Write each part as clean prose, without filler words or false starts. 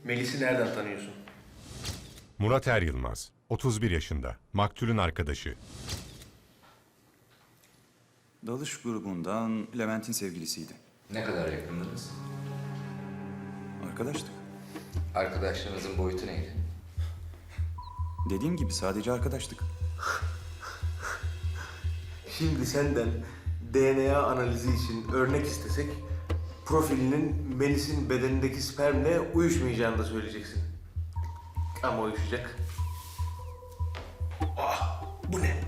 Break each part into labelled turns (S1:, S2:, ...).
S1: Melis'i nereden tanıyorsun?
S2: Murat Er Yılmaz, 31 yaşında, maktulün arkadaşı.
S3: Dalış grubundan Levent'in sevgilisiydi.
S4: Ne kadar yakındınız?
S3: Arkadaştık.
S4: Arkadaşlarınızın boyutu neydi?
S3: Dediğim gibi sadece arkadaştık.
S1: Şimdi senden DNA analizi için örnek istesek, profilinin Melis'in bedenindeki spermle uyuşmayacağını da söyleyeceksin. Ama uyuşacak. Ah, bu ne?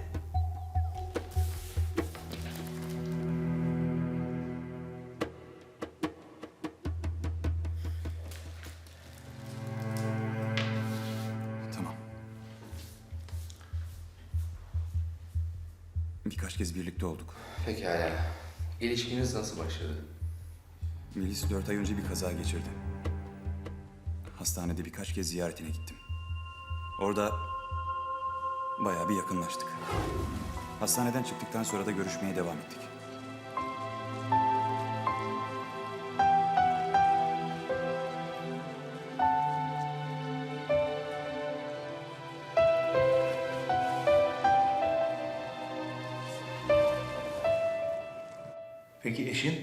S3: Tamam. Birkaç kez birlikte olduk.
S4: Pekala. İlişkiniz nasıl başladı?
S3: Melis 4 ay önce bir kaza geçirdi. Hastanede birkaç kez ziyaretine gittim. Orada bayağı bir yakınlaştık. Hastaneden çıktıktan sonra da görüşmeye devam ettik.
S1: Peki eşin?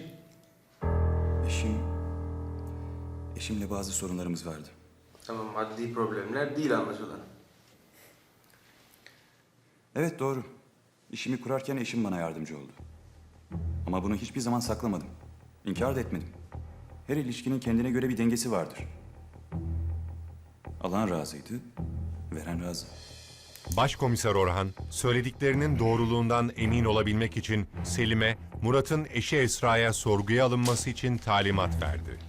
S3: Eşimle bazı sorunlarımız vardı.
S1: Tamam, maddi problemler değil anlaşılan.
S3: Evet doğru. İşimi kurarken eşim bana yardımcı oldu. Ama bunu hiçbir zaman saklamadım. İnkar da etmedim. Her ilişkinin kendine göre bir dengesi vardır. Alan razıydı, veren razı.
S2: Başkomiser Orhan, söylediklerinin doğruluğundan emin olabilmek için Selim'e, Murat'ın eşi Esra'ya sorguya alınması için talimat verdi.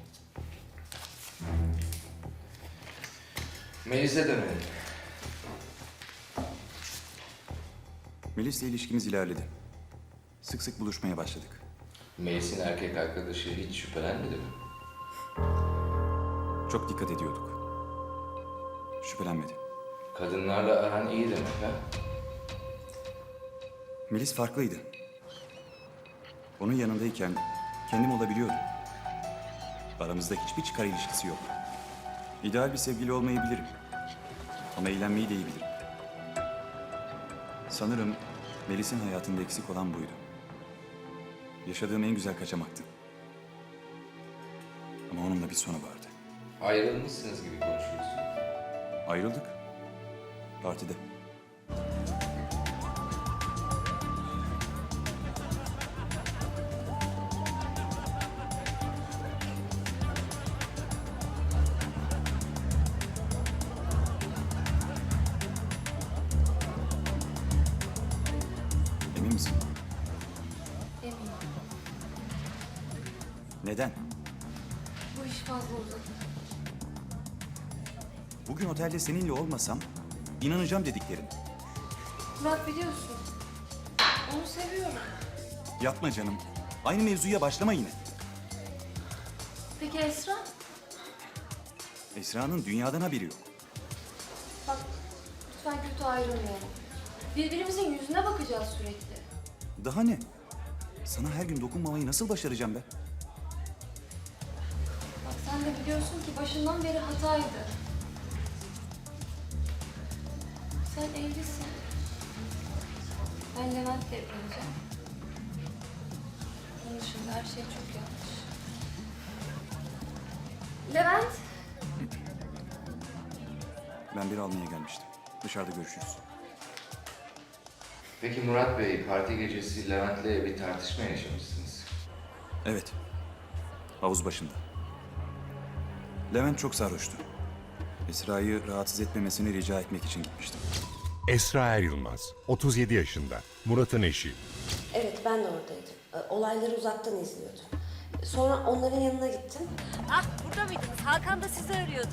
S4: Melis'e dönelim.
S3: Melis'le ilişkimiz ilerledi. Sık sık buluşmaya başladık.
S4: Melis'in erkek arkadaşı hiç şüphelenmedi mi?
S3: Çok dikkat ediyorduk. Şüphelenmedi.
S4: Kadınlarla aran iyi demek ha?
S3: Melis farklıydı. Onun yanındayken kendim olabiliyordum. Aramızda hiçbir çıkar ilişkisi yok. İdeal bir sevgili olmayı bilirim. Ama eğlenmeyi de iyi bilirim. Sanırım Melis'in hayatında eksik olan buydu. Yaşadığım en güzel kaçamaktı. Ama onunla bir sonu vardı.
S4: Ayrılmışsınız gibi konuşuyorsun.
S3: Ayrıldık. Partide. Emin misin?
S5: Eminim.
S3: Neden?
S5: Bu iş fazla uzadı.
S3: Bugün otelde seninle olmasam inanacağım dediklerin.
S5: Murat biliyorsun. Onu seviyorum.
S3: Yapma canım. Aynı mevzuya başlama yine.
S5: Peki Esra?
S3: Esra'nın dünyadan haberi yok.
S5: Bak lütfen kötü ayrılmayalım. Birbirimizin yüzüne bakacağız sürekli.
S3: Daha ne? Sana her gün dokunmamayı nasıl başaracağım ben?
S5: Bak sen de biliyorsun ki başından beri hataydı. Sen evlisin. Ben Levent'le evleneceğim. Onun dışında her şey çok yanlış. Levent!
S3: Ben biri almaya gelmiştim. Dışarıda görüşürüz.
S4: Peki Murat Bey, parti gecesi Levent'le bir tartışma yaşamışsınız.
S3: Evet. Havuz başında. Levent çok sarhoştu. Esra'yı rahatsız etmemesini rica etmek için gitmiştim.
S2: Esra Er Yılmaz, 37 yaşında, Murat'ın eşi.
S6: Evet, ben de oradaydım. Olayları uzaktan izliyordum. Sonra onların yanına gittim.
S7: Ah burada mıydınız? Hakan da sizi arıyordu.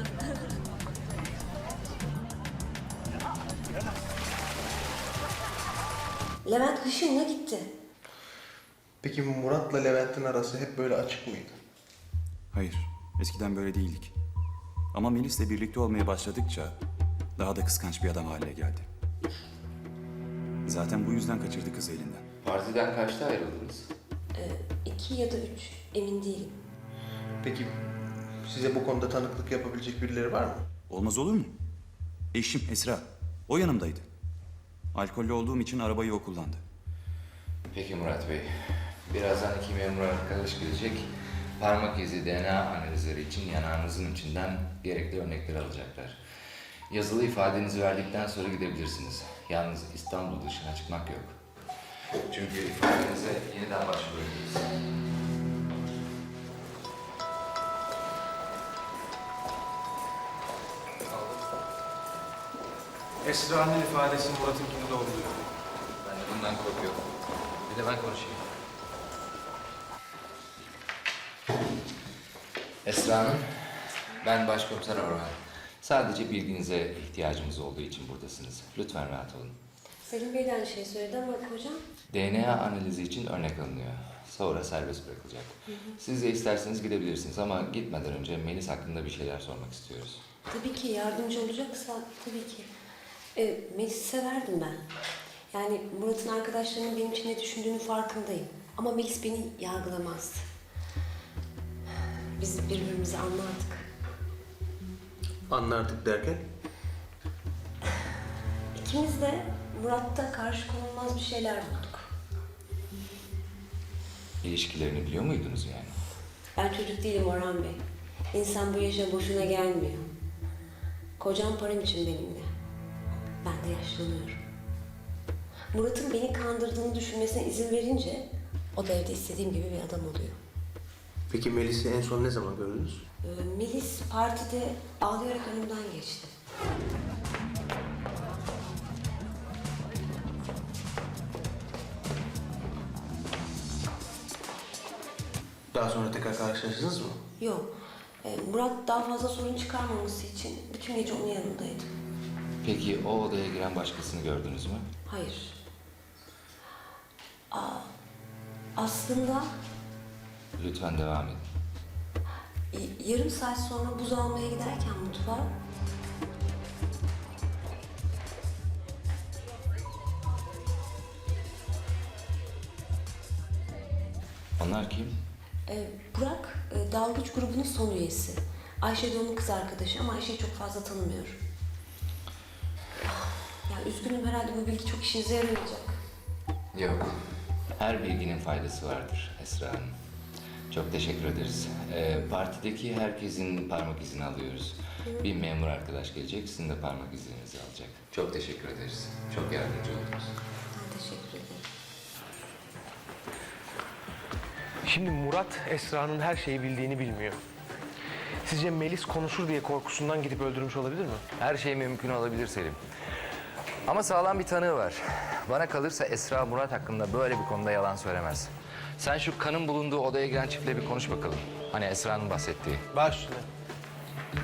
S6: Levent hışımla gitti.
S1: Peki Murat'la Levent'in arası hep böyle açık mıydı?
S3: Hayır, eskiden böyle değildik. Ama Melis'le birlikte olmaya başladıkça daha da kıskanç bir adam haline geldi. Zaten bu yüzden kaçırdı kızı elinden.
S4: Partiden kaçta ayrıldınız?
S6: 2 ya da 3, emin değilim.
S1: Peki Size bu konuda tanıklık yapabilecek birileri var mı?
S3: Olmaz olur mu? Eşim Esra. O yanımdaydı. Alkollü olduğum için arabayı o kullandı.
S4: Peki Murat Bey, birazdan iki memur arkadaş gelecek. Parmak izi DNA analizleri için yanağınızın içinden gerekli örnekleri alacaklar. Yazılı ifadenizi verdikten sonra gidebilirsiniz. Yalnız İstanbul dışına çıkmak yok. Çünkü ifadenize yeniden başvurabiliriz.
S8: Esra'nın ifadesi Murat'ınkini doğruluyor.
S4: Ben de bundan korkuyorum. Bir de ben konuşayım. Esra Hanım, ben Başkomiser Orhan. Sadece bilginize ihtiyacımız olduğu için buradasınız. Lütfen rahat olun.
S6: Selim Bey de aynı şeyi söyledi ama kocam...
S4: DNA analizi için örnek alınıyor. Sonra serbest bırakılacak. Siz de isterseniz gidebilirsiniz ama gitmeden önce Melis hakkında bir şeyler sormak istiyoruz.
S6: Tabii ki yardımcı olacaksa tabii ki. Melis'i severdim ben. Yani Murat'ın arkadaşlarının benim için ne düşündüğünün farkındayım. Ama Melis beni yargılamazdı. Biz birbirimizi anlardık.
S1: Anlardık derken?
S6: İkimiz de Murat'ta karşı konulmaz bir şeyler bulduk.
S4: İlişkilerini biliyor muydunuz yani?
S6: Ben çocuk değilim Orhan Bey. İnsan bu yaşa boşuna gelmiyor. Kocam param için benimle. Ben de yaşlanıyorum. Murat'ın beni kandırdığını düşünmesine izin verince o da evde istediğim gibi bir adam oluyor.
S1: Peki Melis'i en son ne zaman gördünüz?
S6: Melis partide ağlayarak önümden geçti.
S1: Daha sonra tekrar karşılaştınız mı?
S6: Yok. Murat daha fazla sorun çıkarmaması için bütün gece onun yanındaydı.
S4: Peki o odaya giren başkasını gördünüz mü?
S6: Hayır. Aslında
S4: Lütfen devam edin.
S6: yarım saat sonra buz almaya giderken mutfağa
S4: Onlar kim?
S6: Burak dalgıç grubunun son üyesi. Ayşe de onun kız arkadaşı ama Ayşe'yi çok fazla tanımıyorum. Ya üzgünüm, herhalde bu bilgi çok işinize yaramayacak.
S4: Yok. Her bilginin faydası vardır Esra Hanım. Çok teşekkür ederiz. Partideki herkesin parmak izini alıyoruz. Bir memur arkadaş gelecek, sizin de parmak izlerinizi alacak. Çok teşekkür ederiz. Çok yardımcı oldunuz.
S6: Ben teşekkür ederim.
S8: Şimdi Murat Esra'nın her şeyi bildiğini bilmiyor. Sizce Melis konuşur diye korkusundan gidip öldürmüş olabilir mi?
S4: Her şey mümkün olabilir Selim. Ama sağlam bir tanığı var. Bana kalırsa Esra Murat hakkında böyle bir konuda yalan söylemez. Sen şu kanın bulunduğu odaya giren çiftle bir konuş bakalım. Hani Esra'nın bahsettiği.
S8: Baş üstüne.